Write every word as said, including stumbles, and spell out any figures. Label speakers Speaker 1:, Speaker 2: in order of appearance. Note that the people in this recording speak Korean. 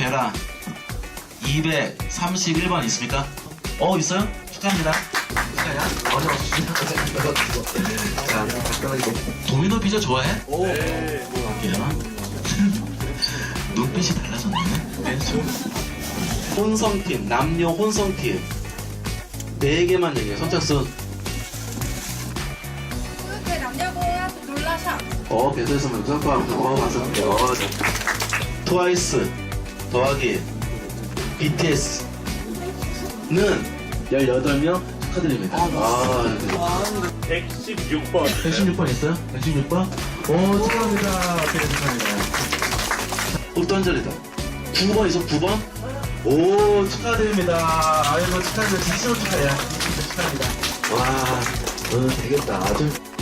Speaker 1: 베라 이백삼십일 번 있습니까? 어, 있어요? 축하합니다. 축하해요. 어려워주시죠. 자, 도미노 피자 좋아해? 오. 네. 볼게요. 눈빛이 달라졌네. 혼성팀, 남녀 혼성팀. 네 개만 얘기해. 선착순.
Speaker 2: 그 남자고야 놀라셔.
Speaker 1: 어, 배도에서 먼저 어, 가서. 어, 트와이스 더하기 비티에스는 열여덟 명 축하드립니다. 아,
Speaker 3: 백십육 번.
Speaker 1: 백십육 번 있어요? 백십육 번? 오, 축하합니다. 오케이, 축하합니다. 읍던절이다. 구 번 있어, 구 번? 오, 축하드립니다. 아이고, 축하드립니다. 진심으로 축하해요. 진심으로 축하합니다. 와, 어, 되겠다. 아주.